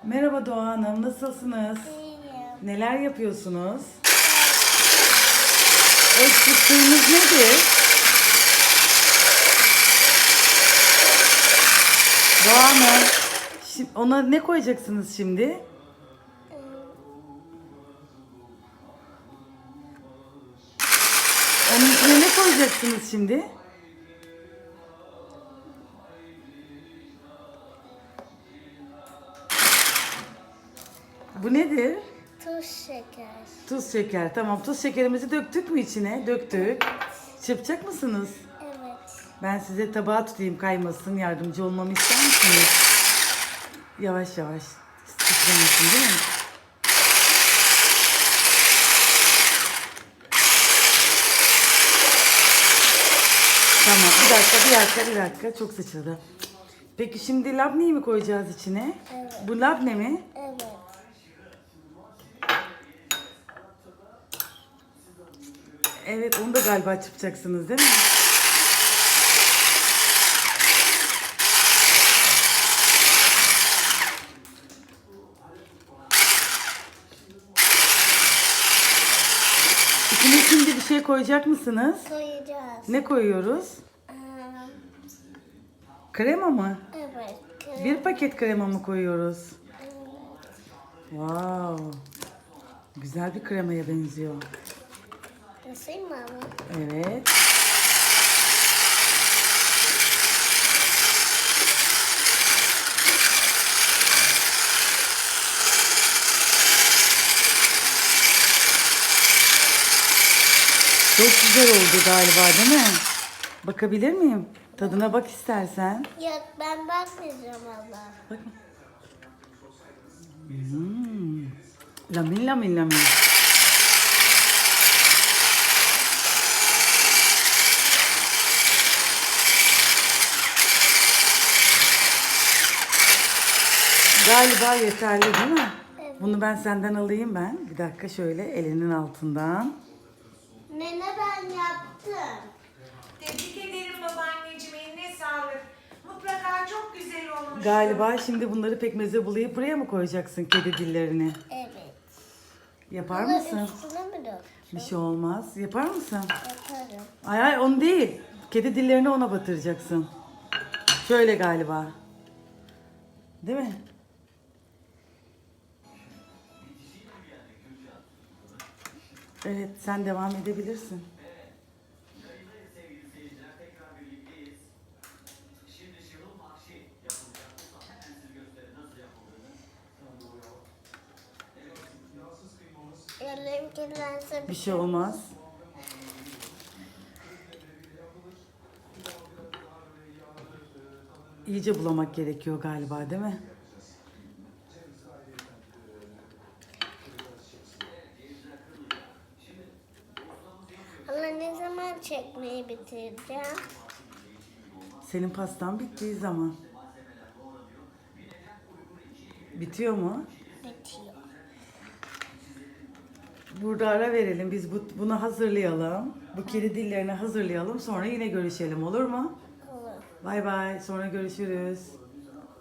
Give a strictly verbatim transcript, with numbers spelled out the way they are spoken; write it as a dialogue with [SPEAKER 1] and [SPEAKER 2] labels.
[SPEAKER 1] Merhaba Doğa Hanım, nasılsınız?
[SPEAKER 2] İyiyim.
[SPEAKER 1] Neler yapıyorsunuz? O tuttuğunuz nedir? Doğa Hanım, şi- ona ne koyacaksınız şimdi? Onun içine ne koyacaksınız şimdi? Bu nedir?
[SPEAKER 2] Tuz şeker.
[SPEAKER 1] Tuz şeker. Tamam, tuz şekerimizi döktük mü içine? Döktük. Çırpacak mısınız?
[SPEAKER 2] Evet.
[SPEAKER 1] Ben size tabağı tutayım, kaymasın. Yardımcı olmamı ister misiniz? Yavaş yavaş. Titremesin değil mi? Tamam, bir dakika, bir dakika, bir dakika. Çok sıçradı. Peki şimdi labneyi mi koyacağız içine?
[SPEAKER 2] Evet.
[SPEAKER 1] Bu labne mi?
[SPEAKER 2] Evet.
[SPEAKER 1] Evet, onu da galiba çırpacaksınız değil mi? İçine şimdi bir şey koyacak mısınız?
[SPEAKER 2] Koyacağız.
[SPEAKER 1] Ne koyuyoruz?
[SPEAKER 2] Ee,
[SPEAKER 1] Krema mı?
[SPEAKER 2] evet.
[SPEAKER 1] Bir paket krema mı koyuyoruz?
[SPEAKER 2] Evet.
[SPEAKER 1] Wow. Güzel bir kremaya benziyor.
[SPEAKER 2] Nasıl mı?
[SPEAKER 1] Evet. Çok güzel oldu galiba değil mi? Bakabilir miyim? Tadına bak istersen.
[SPEAKER 2] Yok, ben bakmayacağım abla.
[SPEAKER 1] Bak. Hmm. Lamin lamin lamin. Galiba yeterli değil mi?
[SPEAKER 2] Evet.
[SPEAKER 1] Bunu ben senden alayım ben. Bir dakika şöyle elinin altından.
[SPEAKER 2] Nene, ben yaptım.
[SPEAKER 3] Tebrik ederim babaanneciğim, eline sağlık. Mutlaka çok güzel olmuş.
[SPEAKER 1] Galiba şimdi bunları pekmeze bulayıp buraya mı koyacaksın kedi dillerini?
[SPEAKER 2] Evet.
[SPEAKER 1] Yapar
[SPEAKER 2] Bunu
[SPEAKER 1] mısın?
[SPEAKER 2] üstüne mi döktüm?
[SPEAKER 1] Bir şey olmaz. Yapar mısın?
[SPEAKER 2] Yaparım.
[SPEAKER 1] Ay ay onu değil. Kedi dillerini ona batıracaksın. Şöyle galiba. Değil mi? Evet, sen devam edebilirsin.
[SPEAKER 2] Ellerim kirlense
[SPEAKER 1] Bir şey olmaz. İyice bulamak gerekiyor galiba, değil mi?
[SPEAKER 2] Allah, ne zaman çekmeyi bitireceğim?
[SPEAKER 1] Senin pastan bittiği zaman. Bitiyor mu?
[SPEAKER 2] Bitiyor.
[SPEAKER 1] Burada ara verelim. Biz bu, bunu hazırlayalım. Bu kedi dillerini hazırlayalım. Sonra yine görüşelim, olur mu?
[SPEAKER 2] Olur.
[SPEAKER 1] Bay bay. Sonra görüşürüz.